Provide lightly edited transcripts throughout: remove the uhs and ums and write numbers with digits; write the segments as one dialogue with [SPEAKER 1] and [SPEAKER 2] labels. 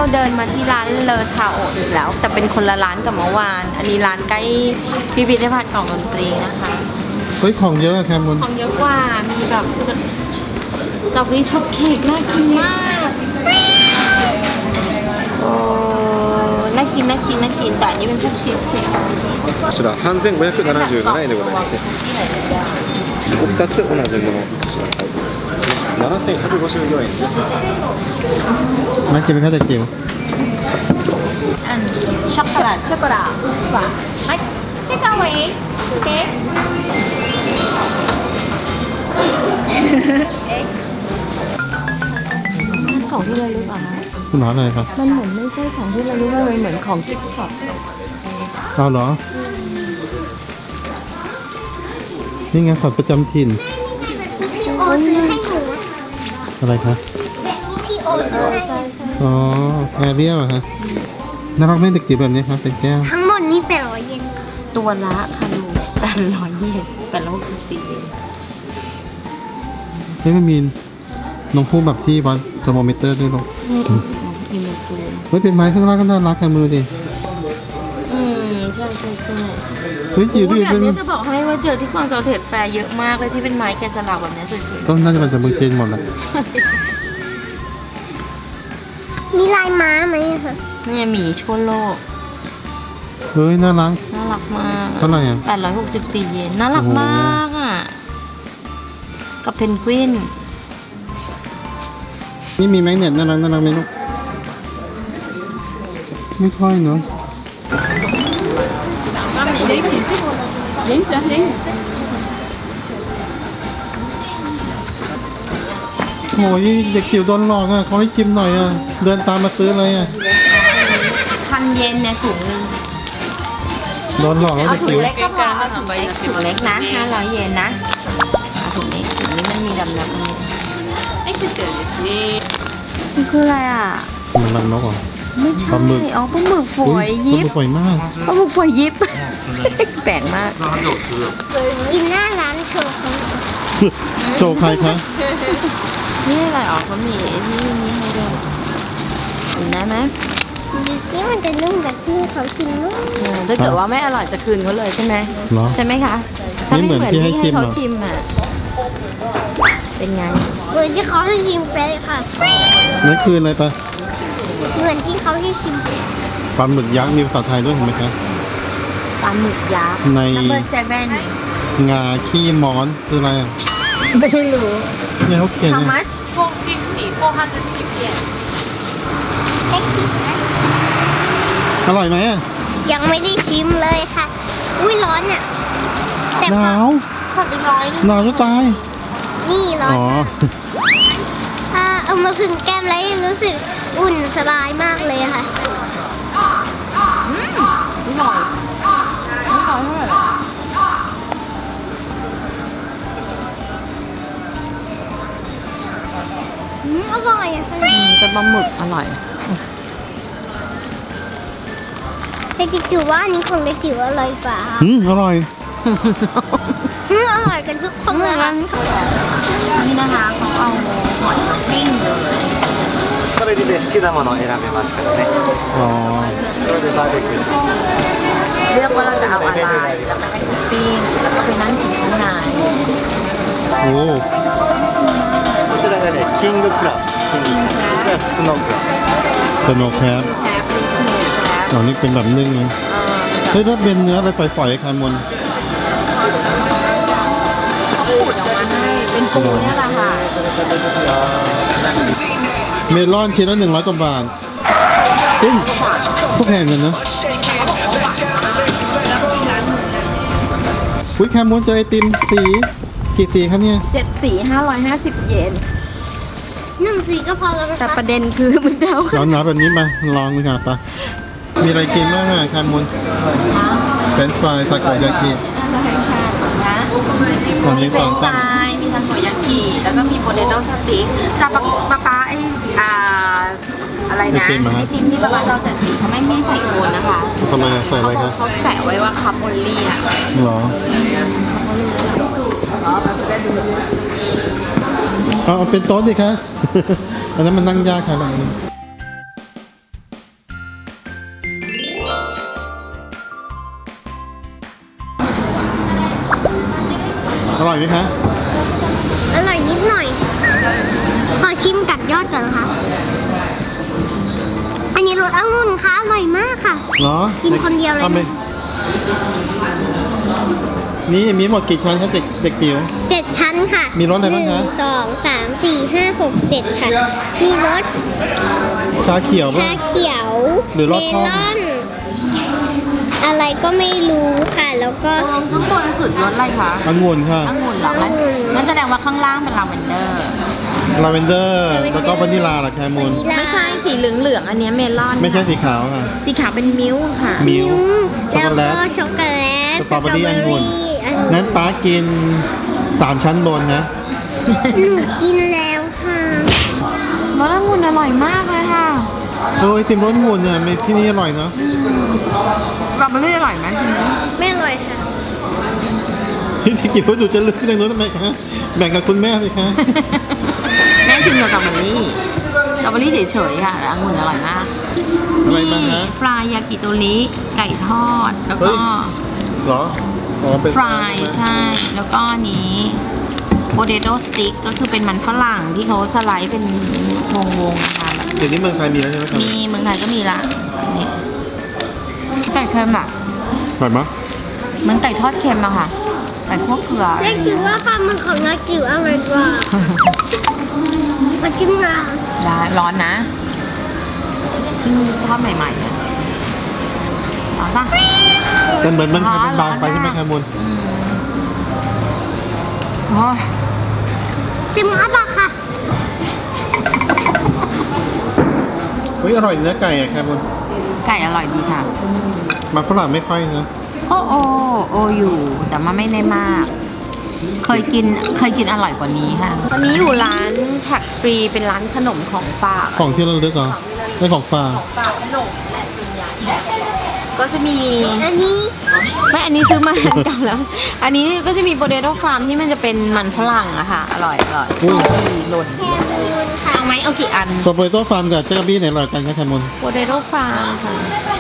[SPEAKER 1] เดินมาที่ร้านเลอทาโออีกแล้วแต่เป็นคนละร้านกับเมื่อวานอันนี้ร้านใกล้พิพิธภัณฑ์ของดนตรีนะคะ
[SPEAKER 2] เฮ้ยของเยอะแคมุน
[SPEAKER 1] ของเยอะกว่ามีแบบสตรอเบอรี่ช็อปเค้กน่ากินมากโอ้น่ากินแต่อันนี้เป็นพวกชีสเค้ก
[SPEAKER 3] こちら3577円でございますね。2つ同じものこちら7154円です。
[SPEAKER 2] มากินเป็นข้าวแต่จิ๋ว
[SPEAKER 1] อันช็อกโกแลตว่ะไม่เกาหลีเค้กของที่ระลึกเหรอคะ
[SPEAKER 2] คุณร้านอะไรครับ
[SPEAKER 1] มันเหมือนไม่ใช่ของที่ระลึกมันเหมือนของกิฟต์ช็อป
[SPEAKER 2] เอาเหรอ นี่ไงสัตว์ประจำถิ่น
[SPEAKER 4] พี่โอซื้อให้หนู
[SPEAKER 2] อะไรคะ
[SPEAKER 4] พี่โอซื้อให้
[SPEAKER 2] อ๋อแอเรียลอะฮะน่ารักไหมเด็กจิ๋วแบบนี้ครับเป็นแก้ว
[SPEAKER 4] ทั้งหมดนี่800 เยน
[SPEAKER 1] ตัวละค่ะลูก800 เยน864 เยน
[SPEAKER 2] นี่มันมีนมพูแบบที่วัดเทอร์โมมิเตอร์ด้วยลูก
[SPEAKER 1] มีมันปูน
[SPEAKER 2] เฮ้ยเป็นไม้ข้างล่างก็น่ารักกันมือดิ
[SPEAKER 1] ใช่
[SPEAKER 2] เฮ้ยจิ๋ว
[SPEAKER 1] อุ๊
[SPEAKER 2] ดิ
[SPEAKER 1] ยแบบ
[SPEAKER 2] เป็น
[SPEAKER 1] นี้จะบอกให้ว่าเจอที่กวางโจวเทรดแฟร์เยอะมากเลยที่เป็นไม้แกะสลักแบบนี้สวย
[SPEAKER 2] ก็น่าจะมาจากเมืองจีนหมดแหละ
[SPEAKER 4] มีลายม้าไหมอะคะ
[SPEAKER 1] ๆนี่หมีชั่วโลก
[SPEAKER 2] เฮ้ยน่ารัก
[SPEAKER 1] น่ารักมาก
[SPEAKER 2] เท่าไหร่อ่ะ
[SPEAKER 1] 864 เยนน่ารัก
[SPEAKER 2] โอ้โห
[SPEAKER 1] มากอ่ะกับเพนกวิน
[SPEAKER 2] นี่มีแมกเนตน่ารักไหมลูกไม่ค่อยเนาะโอ้ยเด็กจิ๋วโดนหลอกอ่ะเขาให้ชิมหน่อยอ่ะเดินตามมาซื้อเลยอ่ะ
[SPEAKER 1] 1,000 เยนเนี่ยถุงนึง
[SPEAKER 2] โดนหลอกแล้ว
[SPEAKER 1] เอา
[SPEAKER 2] เด็ก
[SPEAKER 1] ถุง
[SPEAKER 2] จิ๋ว
[SPEAKER 1] เล็กก็พอเอาถุงเล็กนะ500 เยนนะเอาถุงนี้มันมีดำๆนี่นี่คืออะไรอ่ะ
[SPEAKER 2] มันรังนกเหรอ
[SPEAKER 1] ไม่ใช่
[SPEAKER 2] ปลาหมึก
[SPEAKER 1] อ๋อปลาหมึกฝอยยิบ
[SPEAKER 2] ปลาหมึกฝอยมาก
[SPEAKER 1] ปลาหมึกฝอยยิบ แปลกมาก
[SPEAKER 4] กินหน้าร้านโชว์เขา
[SPEAKER 2] โชว์ใครคะ
[SPEAKER 1] นี่อะไรอ๋อเขามีนี่ให้ด้วยกินได้ไหม
[SPEAKER 4] ดูซิมันจะนุ่มแบบที่เขาชิมนุ่ม
[SPEAKER 1] ถ้าเกิดว่าไม่อร่อยจะคืนเขาเลยใช่ไหม
[SPEAKER 2] เหรอ
[SPEAKER 1] ใช่ไหมคะถ้า
[SPEAKER 2] นี่
[SPEAKER 1] ไม่
[SPEAKER 2] เห
[SPEAKER 1] เห
[SPEAKER 2] มื
[SPEAKER 1] มื
[SPEAKER 2] อ
[SPEAKER 1] อน น
[SPEAKER 2] ที่
[SPEAKER 1] ที่
[SPEAKER 2] ให้
[SPEAKER 1] ให้
[SPEAKER 2] ชิม
[SPEAKER 1] เขา
[SPEAKER 2] เหรอ
[SPEAKER 1] ชิมอ่ะเป็นไง
[SPEAKER 4] เหมือนที่เขาให้ชิมไปเลยค่ะ
[SPEAKER 2] นั่นคืออะไรปะ
[SPEAKER 4] เหมือนที่เขาให้ชิมไป
[SPEAKER 2] ปลาหมึกยักษ์มีภาษาไทยด้วยเห็นไหมคะ
[SPEAKER 1] ปลาหมึกยักษ์
[SPEAKER 2] ใน
[SPEAKER 1] number 7
[SPEAKER 2] งาขี้ม้อนคืออะไรอ่ะ
[SPEAKER 1] ไม่รู้
[SPEAKER 2] เนี่ยเขาเขียน
[SPEAKER 1] how
[SPEAKER 2] เนี่ย
[SPEAKER 1] much 450 yen
[SPEAKER 2] อร่อยไหมอ่ะ
[SPEAKER 4] ยังไม่ได้ชิมเลยค่ะ อุ้ยร้อนอ่ะ แต่
[SPEAKER 2] ห
[SPEAKER 4] พอน
[SPEAKER 2] าว
[SPEAKER 1] ขอไป100
[SPEAKER 2] หนาวจะตาย
[SPEAKER 4] นี่ร้อน
[SPEAKER 2] อ๋อ
[SPEAKER 4] ถ้าเอามาผึ่งแก้มแล้วรู้สึกอุ่นสบายมากเลยค่ะ
[SPEAKER 1] ไม่หน่อยไม่หน่อยเท่าไหร่หรอ
[SPEAKER 4] อร่อยอะค่ะ
[SPEAKER 1] เป็นปลาหมึกอร่อย
[SPEAKER 4] แต่จิ๋วว่าอันนี้ของเด็กจิ๋วอร่อยกว่า
[SPEAKER 2] อร่อย
[SPEAKER 4] อร่อยกันทุกคนเลยค่ะ
[SPEAKER 1] นี่นะคะเขาเอาหอยมาปิ้งเลย
[SPEAKER 3] これで好きなものを選べますからね。
[SPEAKER 2] อ๋อ
[SPEAKER 3] これでバーベキュー。
[SPEAKER 1] เลือกว่าเราจะเอาอะไรแล้วก็ให้เขาปิ้งแล้วก็ไปนั่งกินข้างใน
[SPEAKER 2] โอ้
[SPEAKER 3] こちらがね、キングクラブ。キングクラブ。これはスノークラブ。
[SPEAKER 2] สโนว์แคป
[SPEAKER 1] แคปลิสเนสแคป
[SPEAKER 2] อ๋อนี่เป็นแบบนึ่งนะเฮ้ยแล้วเป็นเนื้ออะไรฝอยๆคายมน
[SPEAKER 1] ขูดออกมาให้เป็นปูเนี่ยแหละค่ะ
[SPEAKER 2] เมลอนชิ้นละ100 กว่าบาทก็แพงกันนะอุ้ยแคมมอนเจอไอติมสีกี่สีครับเนี่ย
[SPEAKER 1] 7 สี550 เยน
[SPEAKER 4] 1 สีก็พอแล้วนะ
[SPEAKER 1] แต่
[SPEAKER 4] คะ
[SPEAKER 1] ประเด็นคือมันเอา
[SPEAKER 2] ร้อนหนาแบบนี้มาลองดูค่ะปะมีอะไรกินบ้างอ่ะแคมมอนเฟรนช์ฟรายซาโกยากิ
[SPEAKER 1] นะ
[SPEAKER 2] ตอน
[SPEAKER 1] มี
[SPEAKER 2] นี้
[SPEAKER 1] เฟร
[SPEAKER 2] สอน ง
[SPEAKER 1] ช์ฟ
[SPEAKER 2] ตั้ง
[SPEAKER 1] รายมีทาโกยากิแล้วก็มีโพเตโต้สติ๊กแต่ป๊าไออะไรนะไอติมที่ป๊าเราจัดสีเขาไม่ใส่โคนนะคะ
[SPEAKER 2] ทำไมใส่อะไรครับ
[SPEAKER 1] เขาแปะไว้ว่าคัพโอลี่อ่ะ
[SPEAKER 2] หรอเอาเป็นโต๊ะดิคะ อันนั้นมันนั่งยากค่ะร่อยไหมคะ
[SPEAKER 4] อร่อยนิดหน่อย ขอชิมกัดยอดก่อนนะคะ อันนี้รสองุ่นค่ะอร่อยมากค่ะ
[SPEAKER 2] เหรอ
[SPEAKER 4] กินคนเดียวเลย
[SPEAKER 2] อาไปนี่มีหมดกี่ชั้นครับเด็กจิ๋ว
[SPEAKER 4] 7 ชั้นค่ะ
[SPEAKER 2] มีรสอะไรบ้างคะ
[SPEAKER 4] 1 2 3 4 5 6 7 ค่ะ มีรส
[SPEAKER 2] ชาเขียวป่ะ
[SPEAKER 4] ชาเขียว
[SPEAKER 2] หรือ
[SPEAKER 4] เม
[SPEAKER 2] รสส้ม
[SPEAKER 4] ลอน อะไรก็ไม่รู้ค่ะ แล้วก็
[SPEAKER 1] ตรงข้างบนสุดรสอะไรคะ
[SPEAKER 2] องุ่นค่ะ
[SPEAKER 1] องุ่นเหรองั้นแสดงว่าข้างล่างเป็นลาเวนเดอร์
[SPEAKER 2] ลาเวนเดอร์ แล้วก็วานิลาล่ะแคมูล
[SPEAKER 4] วานิลา
[SPEAKER 1] ไม่ใช่สีเหลืองๆอันเนี้ยเมลอน
[SPEAKER 2] ไม่ใช่สีขาวค่ะ
[SPEAKER 1] สีขาวเป็นมิ้วค่ะ
[SPEAKER 2] มิ้ว
[SPEAKER 4] แล้วก็
[SPEAKER 2] ช็
[SPEAKER 4] ช็
[SPEAKER 2] อ
[SPEAKER 4] อก ก
[SPEAKER 2] โก
[SPEAKER 4] โก
[SPEAKER 2] แล
[SPEAKER 4] แล
[SPEAKER 2] ต
[SPEAKER 4] ต
[SPEAKER 2] สตรอเบอรี่องุ่น
[SPEAKER 4] องุ่
[SPEAKER 2] นั้นป้ากิน3 ชั้นบนนะ
[SPEAKER 4] หนูกินแล้วค่ะ
[SPEAKER 1] รสองุ่นอร่อยมากเลยค่ะ
[SPEAKER 2] โอ้ยติมรสองุ่นเนี่ยมีที่นี่อร่อยเนาะ
[SPEAKER 1] สตรอเบอรี่อร่อยไหมชิมไหม
[SPEAKER 4] ไม่อร่อยค่ะ
[SPEAKER 2] พี่กินว่าหนูจะเลือกที่ไหนนู้นทำไมคะแบ่งกับคุณแม่สิคะ
[SPEAKER 1] แม่ชิมสตรอเบอรี่สตรอเบอรี่เฉยๆค่ะแต่องุ่นอร่อยมาก
[SPEAKER 2] อะไร
[SPEAKER 1] นี่
[SPEAKER 2] บ้างฮะ
[SPEAKER 1] ฟรายยากิโตริไก่ทอด แล้ว
[SPEAKER 2] เฮ้
[SPEAKER 1] ก็
[SPEAKER 2] ย เหรออ๋อเป็น
[SPEAKER 1] ฟรายใช่ แล้วก็อันนี้โปเตโต้สติ๊กก็คือเป็นมันฝรั่งที่เขาสไลด์เป็นวงๆนะคะแบบ
[SPEAKER 2] เดี๋ยวนี้เมืองไทยมีแล้วใช่ไหมครับ
[SPEAKER 1] มีเมืองไทยก็มีละนี่ไก่เค็มอ่ะ
[SPEAKER 2] อร่อยมั้ย
[SPEAKER 1] เหมือนไก่ทอดเค็มอะค่ะไก่คั่วเกลืออะไร
[SPEAKER 4] แม่
[SPEAKER 1] อย่าง
[SPEAKER 4] คิ
[SPEAKER 1] เงี้
[SPEAKER 4] ด
[SPEAKER 1] ย
[SPEAKER 4] ว่าปลาหมึกของน้าจิ๋วอร่อยกว่ามาชิมหน่อย
[SPEAKER 1] ได้ร้อนนะเพิ่งทอดใหม่ๆเลยร้อนปะ
[SPEAKER 2] แต่เหมือนมันไทยมันบางไป
[SPEAKER 1] ร้อน
[SPEAKER 2] ใช่ไหม
[SPEAKER 1] มาก
[SPEAKER 2] แคมูล
[SPEAKER 1] โอ้ย
[SPEAKER 4] ชิมอัปะค่ะ
[SPEAKER 2] เฮ้ยอร่อยเนื้อไก่อะแคมูล
[SPEAKER 1] ไก่อร่อยดีค่ะ
[SPEAKER 2] มาฝรั่งไม่ค่อยนะ
[SPEAKER 1] โออยู่ แต่ว่าไม่ได้มาก เคยกินอร่อยกว่านี้ค่ะ ตอนนี้อยู่ร้านแท็กฟรีเป็นร้านขนมของฝาก
[SPEAKER 2] ของที่เราเลือกเหรอได้ของฝาก
[SPEAKER 1] ฝากขนมแหละส่วนใหญ่ก็จะมี
[SPEAKER 4] อันนี้
[SPEAKER 1] ไม่อันนี้ซื้อมาอันเก่าแล้ว อันนี้ก็จะมีโปเตโต้ฟาร์มที่มันจะเป็นมันฝรั่งอะค่ะ อร่อยหล่น
[SPEAKER 4] แคมูนค่ะ
[SPEAKER 1] เอาไหมเอากี่อัน
[SPEAKER 2] ตัวโปเตโต้ฟาร์มกับเจลบี้ไหนอร่อยกันครับแคมูล
[SPEAKER 1] โปเตโต้ฟาร์มค่ะ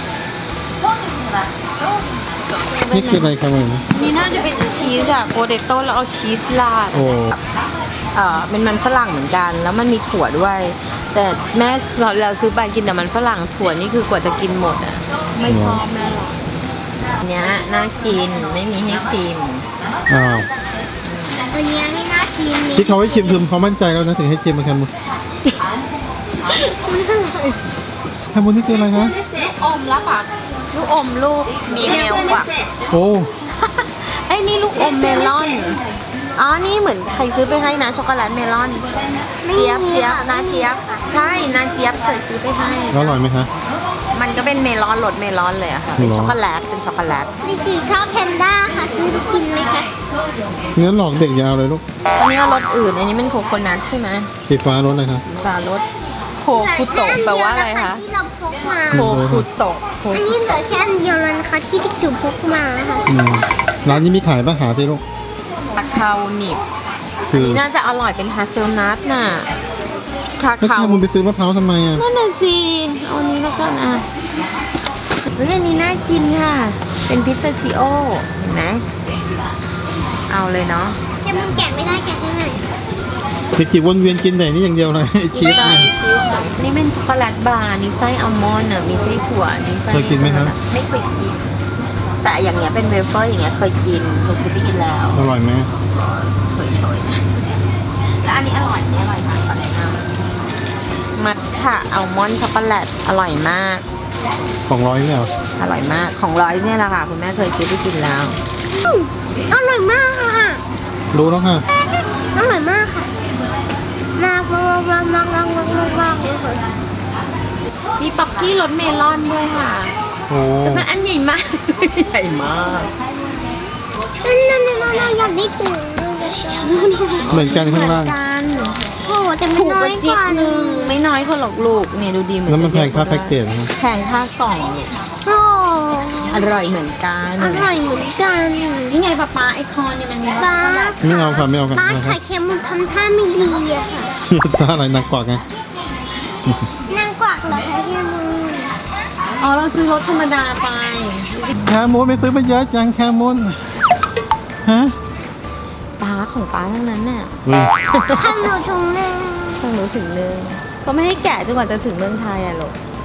[SPEAKER 2] นี่คืออะไรแคมูล
[SPEAKER 1] นี่น่าจะเป็นชีสอะโปเตโต้แล้วเอาชีสราด
[SPEAKER 2] โอ้
[SPEAKER 1] เป็นมันฝรั่งเหมือนกัน แล้วมันมีถั่วด้วย แต่แม่เราซื้อไปกินแต่มันฝรั่งถั่วนี่คือกว่าจะกินหมดอะไม่ชอบแม่หรอกอันเนี้ยน่ากินไม่มีให้ชิม
[SPEAKER 2] อ้าว
[SPEAKER 4] อันนี้ไม่น่ากินเลย
[SPEAKER 2] ที่เขาให้ชิมคือเขามั่นใจแล้วนะถึงให้ชิมมาแคมูลแคมูลนี่คืออะไรคะ
[SPEAKER 1] ลูกอมแล้วปะลูกอมลูกมีเมลกว่า
[SPEAKER 2] โอ้
[SPEAKER 1] ไอ้นี่ลูกอมเมลอน อ๋อ นี่เหมือนใครซื้อไปให้นะช็อกโกแลตเมลอน
[SPEAKER 4] ไม่
[SPEAKER 1] เจี๊ยบ
[SPEAKER 4] มี
[SPEAKER 1] เจี๊ยบ
[SPEAKER 4] ค่ะ
[SPEAKER 1] นาเจี๊ยบ ใช่นาเจี๊ยบเคยซื้อไปให้
[SPEAKER 2] แล้วอร่อยไหมคะ
[SPEAKER 1] มันก็เป็นเมลอนรสเมลอนเลยอะค่ะ เป็น
[SPEAKER 2] หรอ
[SPEAKER 1] ช็อกโกแลต เป็นช็อกโกแลต
[SPEAKER 4] ดิจิชอบแพนด้าค่ะ ซื้อไปกินไหมคะ
[SPEAKER 2] เนื้อหลอกเด็กอยาวเลยลูก
[SPEAKER 1] อันนี้เอารสอื่น อันนี้เป็นโคโคนัทใช่ไหม
[SPEAKER 2] สีฟ้ารสอะไรคะ
[SPEAKER 1] ฟ้ารสโคคุโตะแปลว่าอะไรคะ
[SPEAKER 4] ที่เราพกมา
[SPEAKER 1] โคคุโตะโค
[SPEAKER 4] อันนี้เหลือแค่อันเดียวแล้วนะคะที่ดิจิพกมาค่ะ
[SPEAKER 2] อืมร้านนี้มีขายป่ะหาที่ลูก
[SPEAKER 1] คาคาหนิบ
[SPEAKER 2] คือ
[SPEAKER 1] นี่น่าจะอร่อยเป็นฮาเซลนัทน่ะ คา
[SPEAKER 2] แล้ว
[SPEAKER 1] คา
[SPEAKER 2] แคมูลไปซื้อมะพร้าวทำไมอ่ะ
[SPEAKER 1] นั่นน่ะสิเอาอันนี้แล้วกันอ่ะเฮ้ยอันนี้น่ากินค่ะ เป็นพิสตาชิโอเห็นไหมเอาเลยเนาะ
[SPEAKER 4] แค่มันแกะไม่ได้แกะให้หน่อย
[SPEAKER 2] เด็กจิ๋ววนเวียนกินแต่นี่อย่างเดียวเลยไอ้ชีสเนี่ย
[SPEAKER 1] นี่เป็นช็อกโกแลตบาร์นี่ไส้อัลมอนด์อ่ะ มีไส้ถั่วนี่ไส้
[SPEAKER 2] เคยกินไหมครับ
[SPEAKER 1] ไม่เคยกิน แต่อย่างเงี้ยเป็นเวเฟอร์อย่างเงี้ยเคยกินเคยซื้อไปกินแล้ว
[SPEAKER 2] อร่อยไหม
[SPEAKER 1] เฉยๆแล้วอันนี้อร่อยนี่อร่อยมากอะไรนะมัทฉะอัลมอนด์ช็อกโกแลตอร่อยมาก
[SPEAKER 2] 200เนี่ยเหรอ
[SPEAKER 1] อร่อยมากของร้อยเนี่ยแหละค่ะคุณแม่เคยซื้อไปกินแล้ว
[SPEAKER 4] อร่อยมากค่ะ
[SPEAKER 2] รู้แล้วค่ะ
[SPEAKER 4] อร่อยมากค่ะมากเลยค่ะ
[SPEAKER 1] มีป๊อกกี้รสเมลอนด้วยค่ะ
[SPEAKER 2] โอ้
[SPEAKER 1] แต่มันอันใหญ่มาก ใหญ่มาก
[SPEAKER 4] นั่นอยากได้ถุง
[SPEAKER 2] เหมือนกันข้างล่าง
[SPEAKER 1] เหมือนกัน
[SPEAKER 4] โอ้แต่มัน
[SPEAKER 1] ถูก
[SPEAKER 4] น้
[SPEAKER 1] ก
[SPEAKER 4] อ
[SPEAKER 1] ว่าย จิ๊
[SPEAKER 4] ก
[SPEAKER 1] ก
[SPEAKER 4] ว่า
[SPEAKER 1] นึงไม่น้อยกว่าหรอกลูกเนี่ยดูดีเหมือน
[SPEAKER 2] แล้วมันแพงค่า
[SPEAKER 1] จะ
[SPEAKER 2] แพ็กเก
[SPEAKER 1] เยอะ
[SPEAKER 2] จนะ
[SPEAKER 1] แพงค่ากล่องลูก
[SPEAKER 4] โอ้
[SPEAKER 1] อร่อยเหมือนกัน
[SPEAKER 4] อร่อยเหมือนกัน
[SPEAKER 1] นี่ไงป๊าไอคอนเนี่ยมันมีรสช็อกโกแลต
[SPEAKER 2] ไม่เอาค่ะไม่เอาค่ะ
[SPEAKER 4] บ้าน
[SPEAKER 2] นะค
[SPEAKER 4] ไข่
[SPEAKER 2] รับ
[SPEAKER 4] เค็มมันทำท่าไม่ดีอะค่ะ
[SPEAKER 2] ถ้าอะไรหนักกว่าไง
[SPEAKER 4] นางกวักเหรอคะที่มือ
[SPEAKER 1] อ๋อเราซื้อรสธรรมดาไป
[SPEAKER 2] แคมูลไปซื้อไปเยอะจังแคมูลฮะ
[SPEAKER 1] ป้าของป้าทั้งนั้นน่ะ
[SPEAKER 4] ทำหนูถุงหนึ่ง
[SPEAKER 1] ต้องรู้ถึงนึงก็ไม่ให้แกะจนกว่าจะถึงเมืองไทยอะลูก